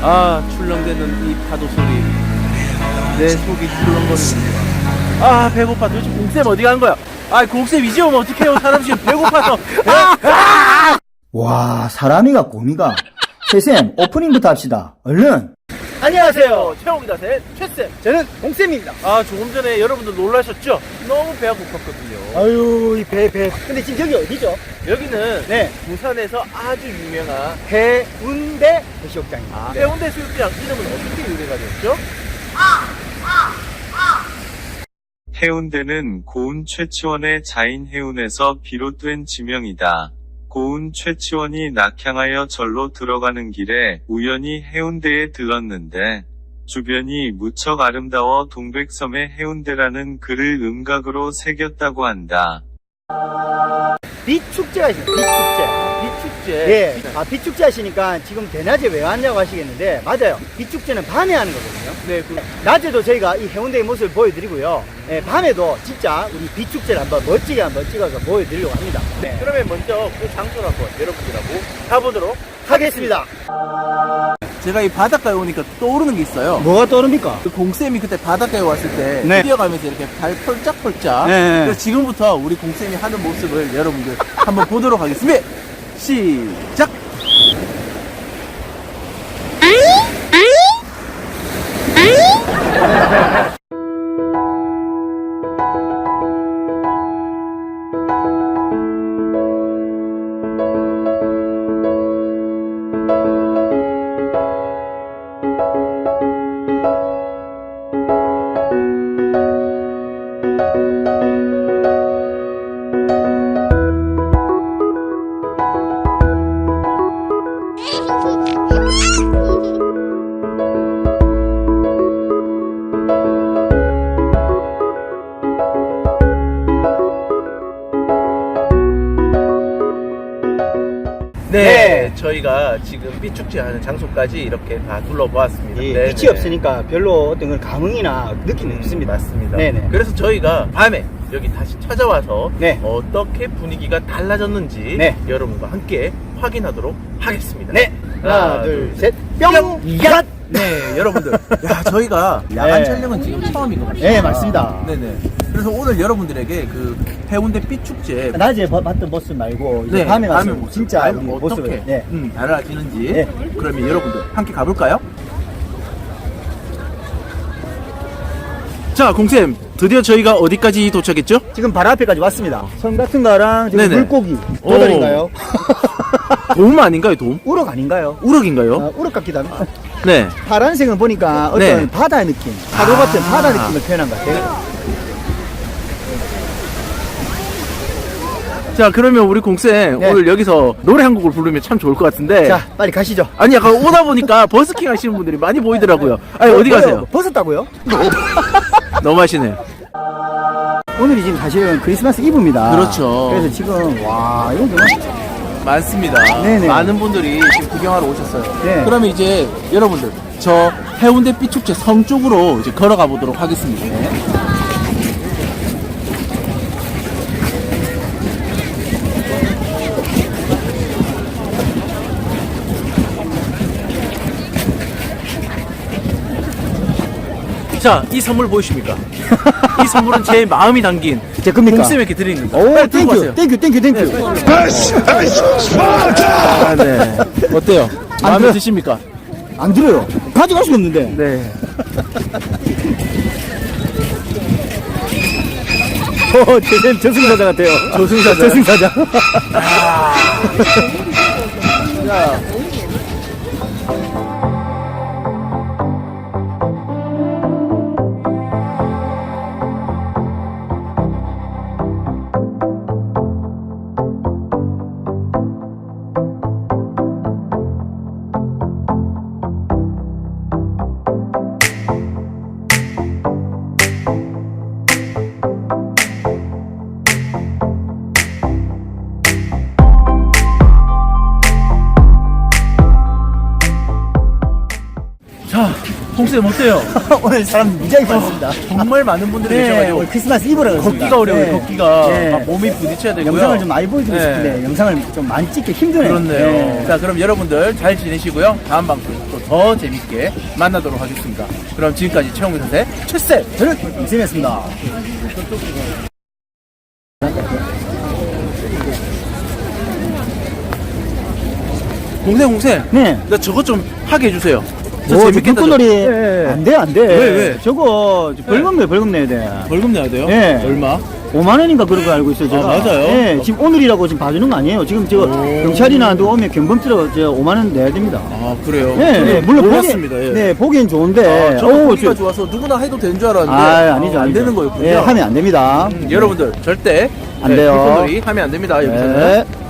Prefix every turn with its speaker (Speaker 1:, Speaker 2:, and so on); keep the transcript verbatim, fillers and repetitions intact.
Speaker 1: 아, 출렁대는 이 파도 소리. 내 속이 출렁거리는. 아, 배고파. 도대체 공쌤 어디 간 거야? 아, 공쌤 이제 오면 어떡해요? 사람 지금 배고파서. 아! 아!
Speaker 2: 와, 사람이가 곰이가. 최쌤, 오프닝부터 합시다. 얼른.
Speaker 1: 안녕하세요. 최홍이다 셋, 최쌤.
Speaker 2: 저는 공쌤입니다.
Speaker 1: 아, 조금 전에 여러분들 놀라셨죠? 너무 배가 고팠거든요.
Speaker 2: 아유, 이 배, 배. 근데 지금 여기 어디죠?
Speaker 1: 여기는
Speaker 2: 네.
Speaker 1: 부산에서 아주 유명한
Speaker 2: 해운대 해수욕장입니다.
Speaker 1: 아, 해운대 수욕장 이름은 어떻게 유래가 됐죠?
Speaker 3: 해운대는 고운 최치원의 자인 해운에서 비롯된 지명이다. 고운 최치원이 낙향하여 절로 들어가는 길에 우연히 해운대에 들렀는데 주변이 무척 아름다워 동백섬의 해운대라는 글을 음각으로 새겼다고 한다.
Speaker 2: 빛축제가 있어요. 빛축제.
Speaker 1: 비축제.
Speaker 2: 예. 아, 빛축제 하시니까 지금 대낮에 왜 왔냐고 하시겠는데, 맞아요. 빛축제는 밤에 하는 거거든요.
Speaker 1: 네, 그,
Speaker 2: 낮에도 저희가 이 해운대의 모습을 보여드리고요. 예, 밤에도 진짜 우리 빛축제를 한번 멋지게 한번 찍어서 보여드리려고 합니다. 네.
Speaker 1: 그러면 먼저 그 장소를 한번 여러분들하고 가보도록
Speaker 2: 하겠습니다.
Speaker 1: 제가 이 바닷가에 오니까 떠오르는 게 있어요.
Speaker 2: 뭐가 떠오릅니까?
Speaker 1: 그 공쌤이 그때 바닷가에 왔을 때
Speaker 2: 네.
Speaker 1: 뛰어가면서 이렇게 발 펄짝펄짝.
Speaker 2: 네.
Speaker 1: 그래서 지금부터 우리 공쌤이 하는 모습을 여러분들 한번 보도록 하겠습니다. 시작! 네,
Speaker 2: 네.
Speaker 1: 저희가 지금 빛축제 하는 장소까지 이렇게 다 둘러보았습니다.
Speaker 2: 예,
Speaker 1: 네,
Speaker 2: 빛이
Speaker 1: 네.
Speaker 2: 없으니까 별로 어떤 걸 감흥이나 느낌이
Speaker 1: 음,
Speaker 2: 없습니다.
Speaker 1: 맞습니다.
Speaker 2: 네네.
Speaker 1: 그래서 저희가 밤에 여기 다시 찾아와서
Speaker 2: 네.
Speaker 1: 어떻게 분위기가 달라졌는지
Speaker 2: 네.
Speaker 1: 여러분과 함께 확인하도록 하겠습니다.
Speaker 2: 네. 하나, 둘, 셋. 뿅! 야!
Speaker 1: 네, 여러분들. 야, 저희가 야간
Speaker 2: 네.
Speaker 1: 촬영은 지금 처음인 것 같아요.
Speaker 2: 네, 맞습니다.
Speaker 1: 네네. 그래서 오늘 여러분들에게 그 해운대 빛축제
Speaker 2: 낮에 봐- 봤던 모습 말고 이제
Speaker 1: 네,
Speaker 2: 밤에 가서
Speaker 1: 밤의 모습.
Speaker 2: 진짜
Speaker 1: 과연
Speaker 2: 우리
Speaker 1: 어떻게
Speaker 2: 모습을 네.
Speaker 1: 음, 달라지는지
Speaker 2: 네.
Speaker 1: 그러면 여러분들 함께 가볼까요? 자, 공쌤 드디어 저희가 어디까지 도착했죠?
Speaker 2: 지금 바로 앞에까지 왔습니다. 성 같은 거랑 저기
Speaker 1: 네네.
Speaker 2: 물고기 도달인가요?
Speaker 1: 돔 아닌가요, 돔?
Speaker 2: 우럭 아닌가요?
Speaker 1: 우럭인가요?
Speaker 2: 아, 우럭 같기도 합니다.
Speaker 1: 네.
Speaker 2: 파란색은 보니까 어떤
Speaker 1: 네.
Speaker 2: 바다 느낌, 파도
Speaker 1: 아.
Speaker 2: 같은 바다 느낌을 표현한 것 같아요.
Speaker 1: 자, 그러면 우리 공쌤
Speaker 2: 네.
Speaker 1: 오늘 여기서 노래 한 곡을 부르면 참 좋을 것 같은데.
Speaker 2: 자, 빨리 가시죠.
Speaker 1: 아니, 약간 오다 보니까 버스킹 하시는 분들이 많이 보이더라고요. 아니, 어디
Speaker 2: 뭐요?
Speaker 1: 가세요?
Speaker 2: 벗었다고요?
Speaker 1: 너무 하시네요.
Speaker 2: 오늘이 지금 사실은 크리스마스 이브입니다.
Speaker 1: 그렇죠.
Speaker 2: 그래서 지금 와 이거 정말
Speaker 1: 많습니다.
Speaker 2: 네네.
Speaker 1: 많은 분들이 지금 구경하러 오셨어요.
Speaker 2: 네.
Speaker 1: 그러면 이제 여러분들 저 해운대 빛축제 성 쪽으로 이제 걸어가 보도록 하겠습니다. 자, 이 선물 보이십니까? 이 선물은 제 마음이 담긴
Speaker 2: 제 겁니까?
Speaker 1: 공쌤에게 드립니다.
Speaker 2: 오,
Speaker 1: 빨리 들고
Speaker 2: 땡큐,
Speaker 1: 가세요.
Speaker 2: 땡큐, 땡큐, 땡큐.
Speaker 1: 아, 네. 어때요? 마음에
Speaker 2: 들어요.
Speaker 1: 드십니까?
Speaker 2: 안 들어요. 가져갈 수가 없는데.
Speaker 1: 네.
Speaker 2: 어, 제 저승사자 같아요.
Speaker 1: 저승사자.
Speaker 2: 저승사자.
Speaker 1: 자, 공쌤 어때요?
Speaker 2: 오늘 사람 무지하게 많습니다.
Speaker 1: 정말 많은 분들이
Speaker 2: 네,
Speaker 1: 계셔가지고
Speaker 2: 오늘 크리스마스 이브라 그렇습니다.
Speaker 1: 걷기가 어려워요.
Speaker 2: 네.
Speaker 1: 걷기가
Speaker 2: 네.
Speaker 1: 막 몸이 부딪혀야 되고요.
Speaker 2: 영상을 좀 많이 보여주고
Speaker 1: 네.
Speaker 2: 싶은데 영상을 좀 많이 찍기 힘드네요.
Speaker 1: 그렇네요.
Speaker 2: 네.
Speaker 1: 자, 그럼 여러분들 잘 지내시고요. 다음 방송 또 더 재밌게 만나도록 하겠습니다. 그럼 지금까지 최홍민 선생 최쌤.
Speaker 2: 저는 임쌤이었습니다.
Speaker 1: 공생 공생.
Speaker 2: 네.
Speaker 1: 나 저것 좀 하게 해주세요. 저
Speaker 2: 뭐,
Speaker 1: 재밌겠다.
Speaker 2: 불꽃놀이
Speaker 1: 저- 예, 예.
Speaker 2: 안 돼, 안 돼.
Speaker 1: 왜, 왜?
Speaker 2: 저거 벌금 내요, 벌금 내야 돼.
Speaker 1: 벌금 내야 돼요?
Speaker 2: 네.
Speaker 1: 얼마?
Speaker 2: 오만 원인가 그런 거 알고 있어요, 제가.
Speaker 1: 아, 맞아요?
Speaker 2: 네, 지금 오늘이라고 지금 봐주는 거 아니에요. 지금 저 경찰이나 누가 오면 경범죄로 저 오만 원 내야 됩니다.
Speaker 1: 아, 그래요?
Speaker 2: 네,
Speaker 1: 저는
Speaker 2: 네, 물론
Speaker 1: 몰랐습니다.
Speaker 2: 보기,
Speaker 1: 예.
Speaker 2: 네, 보기엔 좋은데.
Speaker 1: 아, 저는
Speaker 2: 어우,
Speaker 1: 보기가
Speaker 2: 저-
Speaker 1: 좋아서 누구나 해도 되는 줄 알았는데
Speaker 2: 아, 아니죠,
Speaker 1: 어, 안
Speaker 2: 아니죠.
Speaker 1: 되는 거였군요.
Speaker 2: 네, 하면 안 됩니다.
Speaker 1: 음, 여러분들 절대
Speaker 2: 안
Speaker 1: 네,
Speaker 2: 돼요.
Speaker 1: 불꽃놀이 하면 안 됩니다. 여기서는.
Speaker 2: 네.